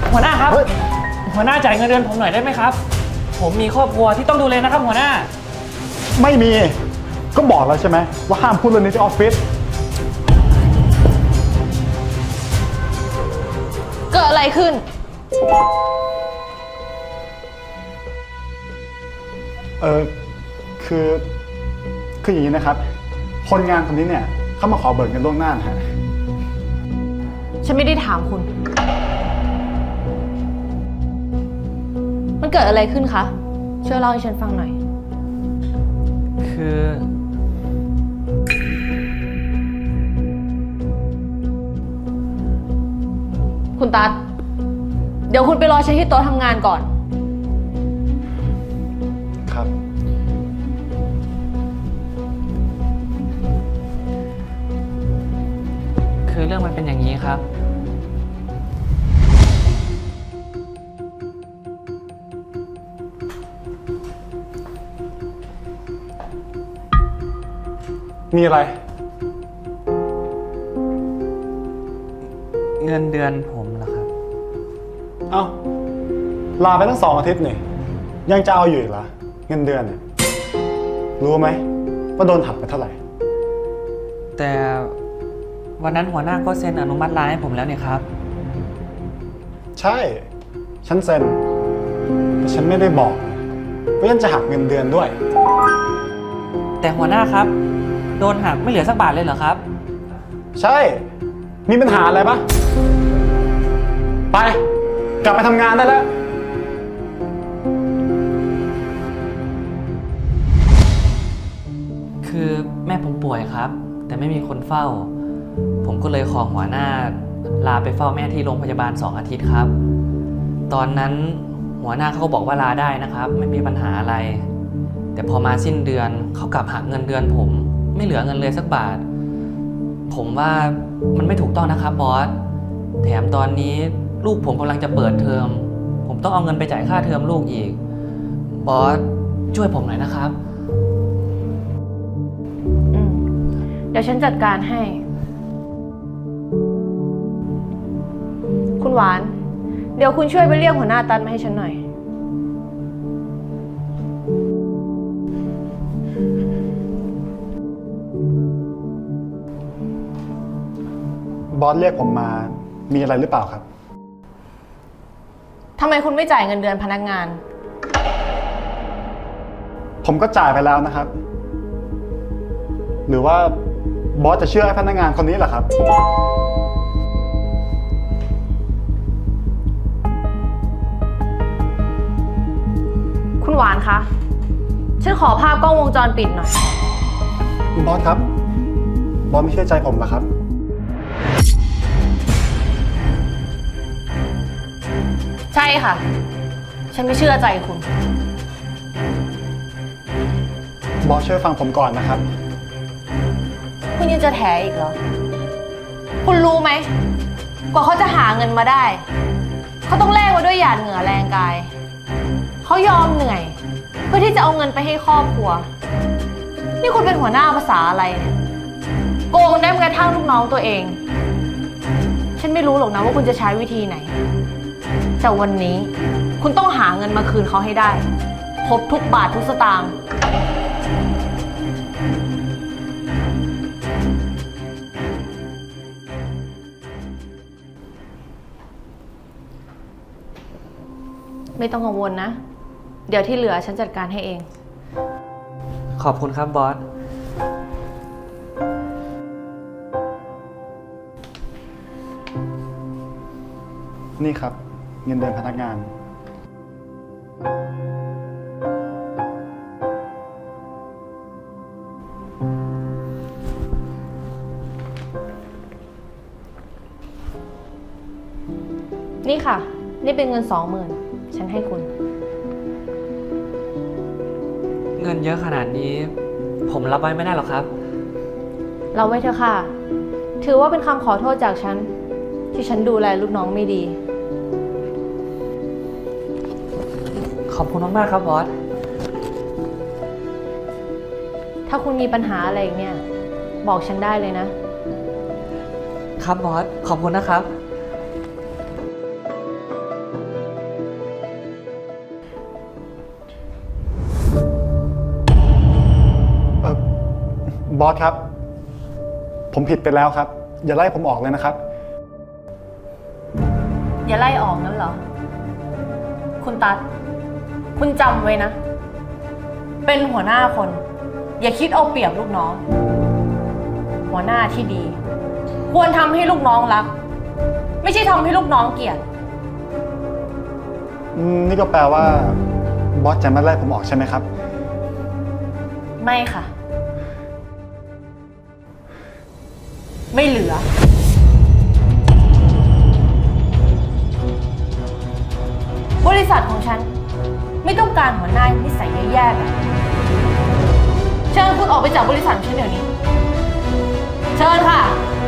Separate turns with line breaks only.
หัวหน้าครับหัวหน้าจ่ายเงินเดือนผมหน่อยได้ไหมครับผมมีครอบครัวที่ต้องดูแลนะครับหัวหน้า
ไม่มีก็บอกแล้วใช่ไหมว่าห้ามพูดเรื่องนี้ที่ออฟฟิศ
เกิดอะไรขึ้น
คืออย่างนี้นะครับคนงานคนนี้เนี่ยเขามาขอเบิกเงินล่วงหน้านะฮะ
ฉันไม่ได้ถามคุณ มันเกิดอะไรขึ้นคะช่วยเล่าให้ฉันฟังหน่อย
คือ
คุณตั๊ดเดี๋ยวคุณไปรอฉันที่โต๊ะทำงานก่อน
ครับ
คือเรื่องมันเป็นอย่างนี้ครับ
มีอะไร
เงินเดือนผมเหรอครับ
เอ้าลาไปตั้ง2 อาทิตย์นี่ยังจะเอาอยู่อีกเหรอเงินเดือนเนี่ยรู้ไหมว่าโดนหักไปเท่าไหร่
แต่วันนั้นหัวหน้าก็เซ็นอนุมัติลาให้ผมแล้วเนี่ยครับ
ใช่ฉันเซ็นแต่ฉันไม่ได้บอกว่าฉันจะหักเงินเดือนด้วย
แต่หัวหน้าครับโดนหักไม่เหลือสักบาทเลยเหรอครับ
ใช่มีปัญหาอะไรปะไปกลับไปทำงานได้แล้ว
คือแม่ผมป่วยครับแต่ไม่มีคนเฝ้าผมก็เลยขอหัวหน้าลาไปเฝ้าแม่ที่โรงพยาบาล2 อาทิตย์ครับตอนนั้นหัวหน้าเขาก็บอกว่าลาได้นะครับไม่มีปัญหาอะไรแต่พอมาสิ้นเดือนเขากลับหักเงินเดือนผมไม่เหลือเงินเลยสักบาทผมว่ามันไม่ถูกต้องนะครับบอสแถมตอนนี้ลูกผมกำลังจะเปิดเทอมผมต้องเอาเงินไปจ่ายค่าเทอมลูกอีกบอสช่วยผมหน่อยนะครับ
เดี๋ยวฉันจัดการให้คุณหวานเดี๋ยวคุณช่วยไปเรียกหัวหน้าตันมาให้ฉันหน่อย
บอสเรียกผมมามีอะไรหรือเปล่าครับ
ทำไมคุณไม่จ่ายเงินเดือนพนักงาน
ผมก็จ่ายไปแล้วนะครับหรือว่าบอสจะเชื่อให้พนักงานคนนี้เหรอครับ
คุณหวานคะฉันขอภาพกล้องวงจรปิดหน่อย
บอสครับบอสไม่เชื่อใจผมเหรอครับ
ใช่ค่ะฉันไม่เชื่อใจคุณ
บอสช่วยฟังผมก่อนนะครับ
คุณยังจะแถอีกเหรอคุณรู้ไหมกว่าเขาจะหาเงินมาได้เขาต้องแลกมาด้วยหยาดเหงื่อแรงกายเขายอมเหนื่อยเพื่อที่จะเอาเงินไปให้ครอบครัวนี่คุณเป็นหัวหน้าภาษาอะไรเนี่ยโกงได้แม้กระทั่งลูกน้องตัวเองฉันไม่รู้หรอกนะว่าคุณจะใช้วิธีไหนแต่วันนี้คุณต้องหาเงินมาคืนเขาให้ได้ครบทุกบาททุกสตางค์ไม่ต้องกังวลนะเดี๋ยวที่เหลือฉันจัดการให้เอง
ขอบคุณครับบอส
นี่ครับเงินเดือนพนักงาน
นี่ค่ะนี่เป็นเงิน20,000ฉันให้คุณ
เงินเยอะขนาดนี้ผมรับไว้ไม่ได้หรอกครับ
เราไว้เถอะค่ะถือว่าเป็นคำขอโทษจากฉันที่ฉันดูแลลูกน้องไม่ดี
ขอบคุณมากๆครับบอส
ถ้าคุณมีปัญหาอะไรอีกเนี่ยบอกฉันได้เลยนะครับ
บอสขอบคุณนะครับ
บอสครับ ผมผิดไปแล้วครับ อย่าไล่ผมออกเลยนะครับ
อย่าไล่ออกนั่นเหรอ คุณตัด คุณจำไว้นะ เป็นหัวหน้าคน อย่าคิดเอาเปรียบลูกน้อง หัวหน้าที่ดี ควรทำให้ลูกน้องรัก ไม่ใช่ทำให้ลูกน้องเกลียด
นี่ก็แปลว่าบอสจะไม่ไล่ผมออกใช่ไหมครับ
ไม่ค่ะ ไม่เหลือ บริษัทของฉัน ไม่ต้องการหัวหน้านิสัยแย่ๆแบบนี้เชิญคุณออกไปจากบริษัทฉันเดี๋ยวนี้ เชิญค่ะ